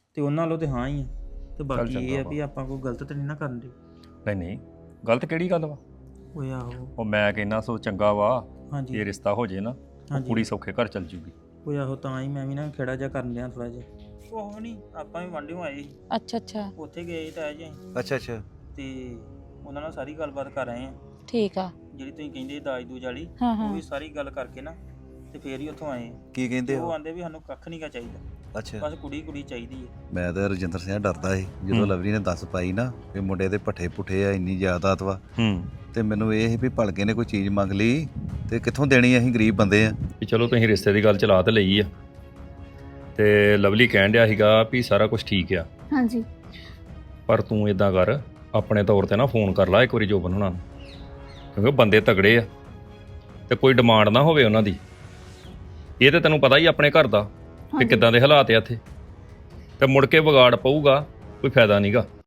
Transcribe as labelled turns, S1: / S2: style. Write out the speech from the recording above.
S1: ਤੇ ਉਹਨਾਂ ਵੱਲੋਂ ਤੇ ਹਾਂ ਹੀ ਆ ਤੇ ਬਾਕੀ ਇਹ ਆ
S2: ਚੰਗਾ
S1: ਵੀ ਆਪਾਂ ਕੋਈ ਗਲਤ ਤੇ ਨਹੀਂ ਨਾ ਕਰਨ ਦੇ।
S2: ਨਹੀਂ ਗਲਤ ਕਿਹੜੀ ਗੱਲ ਵਾ?
S1: ਓਏ ਆਹੋ।
S2: ਉਹ ਮੈਂ ਕਹਿੰਦਾ ਸੋ ਚੰਗਾ ਵਾ
S1: ਹਾਂਜੀ
S2: ਇਹ ਰਿਸ਼ਤਾ ਹੋ ਜੇ ਨਾ ਉਹ
S1: ਹਾਂਜੀ।
S2: ਕੁੜੀ ਸੌਖੇ ਘਰ ਚੱਲ ਜੂਗੀ।
S1: ਓਏ ਆਹੋ ਤਾਂ ਹੀ ਮੈਂ ਵੀ ਨਾ ਖੇੜਾ ਜਿਹਾ ਕਰਨ ਲਿਆ ਥੋੜਾ ਜਿਹਾ। ਉਹ ਨਹੀਂ ਆਪਾਂ ਵੀ ਵਾਂਢਿਓਂ ਆਏ ਸੀ,
S3: ਅੱਛਾ ਅੱਛਾ
S1: ਉੱਥੇ ਗਏ ਸੀ ਤਾਇਆ ਜੀ ਅਸੀਂ,
S4: ਅੱਛਾ ਅੱਛਾ
S1: ਤੇ ਉਹਨਾਂ ਨਾਲ ਸਾਰੀ ਗੱਲਬਾਤ ਕਰ ਆਏ ਆ
S3: ਠੀਕ ਆ।
S1: ਜਿਹੜੀ ਤੁਸੀਂ ਕਹਿੰਦੇ ਦਾਜ ਦੂਜ ਵਾਲੀ,
S3: ਹਾਂ
S1: ਉਹ
S3: ਹਾਂ
S1: ਵੀ ਸਾਰੀ ਗੱਲ ਕਰਕੇ ਨਾ ਤੇ ਫੇਰ ਹੀ ਉੱਥੋਂ ਆਏ ਆ।
S4: ਕੀ ਕਹਿੰਦੇ
S1: ਉਹ
S4: ਹੋ?
S1: ਆਂਦੇ ਵੀ ਸਾਨੂੰ ਕੱਖ ਨਹੀਂ ਗਾ ਚਾਹੀਦਾ,
S4: ਅੱਛਾ
S1: ਬਸ ਕੁੜੀ ਚਾਹੀਦੀ ਹੈ।
S4: ਮੈਂ ਤਾਂ ਰਜਿੰਦਰ ਸਿੰਘ ਡਰਦਾ ਸੀ ਜਦੋਂ
S2: ਹੂੰ।
S4: ਲਵਲੀ ਨੇ ਦੱਸ ਪਾਈ ਨਾ ਵੀ ਮੁੰਡੇ ਦੇ ਪੱਠੇ ਪੁੱਠੇ ਆ, ਇੰਨੀ ਜਾਇਦਾਦ ਵਾ,
S2: ਹੂੰ
S4: ਤੇ ਮੈਨੂੰ ਇਹ ਸੀ ਵੀ ਭਲਕੇ ਨੇ ਕੋਈ ਚੀਜ਼ ਮੰਗ ਲਈ ਤੇ ਕਿੱਥੋਂ ਦੇਣੀ, ਅਸੀਂ ਗਰੀਬ ਬੰਦੇ ਆ।
S2: ਵੀ ਚਲੋ ਤੁਸੀਂ ਰਿਸ਼ਤੇ ਦੀ ਗੱਲ ਚਲਾ ਤੇ ਲਈ ਆ ਤੇ ਲਵਲੀ ਕਹਿਣ ਡਿਆ ਸੀਗਾ ਵੀ ਸਾਰਾ ਕੁਝ ਠੀਕ ਆ,
S5: ਹਾਂਜੀ
S2: ਪਰ ਤੂੰ ਇਦਾਂ ਕਰ ਆਪਣੇ ਤੌਰ ਤੇ ਨਾ ਫੋਨ ਕਰ ਲੈ ਇੱਕ ਵਾਰੀ ਜੋਬਨ ਹੁਣਾਂ ਨੂੰ, ਕਿਉਂਕਿ ਬੰਦੇ ਤਗੜੇ ਆ ਤੇ ਕੋਈ ਡਿਮਾਂਡ ਨਾ ਹੋਵੇ ਉਹਨਾਂ ਦੀ। ਇਹ ਤੇ ਤੈਨੂੰ ਪਤਾ ਹੀ ਆਪਣੇ ਘਰ ਦਾ ਕਿ
S5: ਹਾਂਜੀ।
S2: ਕਿੱਦਾਂ ਦੇ ਹਾਲਾਤ ਆ ਇੱਥੇ, ਤੇ ਮੁੜ ਕੇ ਵਿਗਾੜ ਪਊਗਾ, ਕੋਈ ਫਾਇਦਾ ਨਹੀਂਗਾ।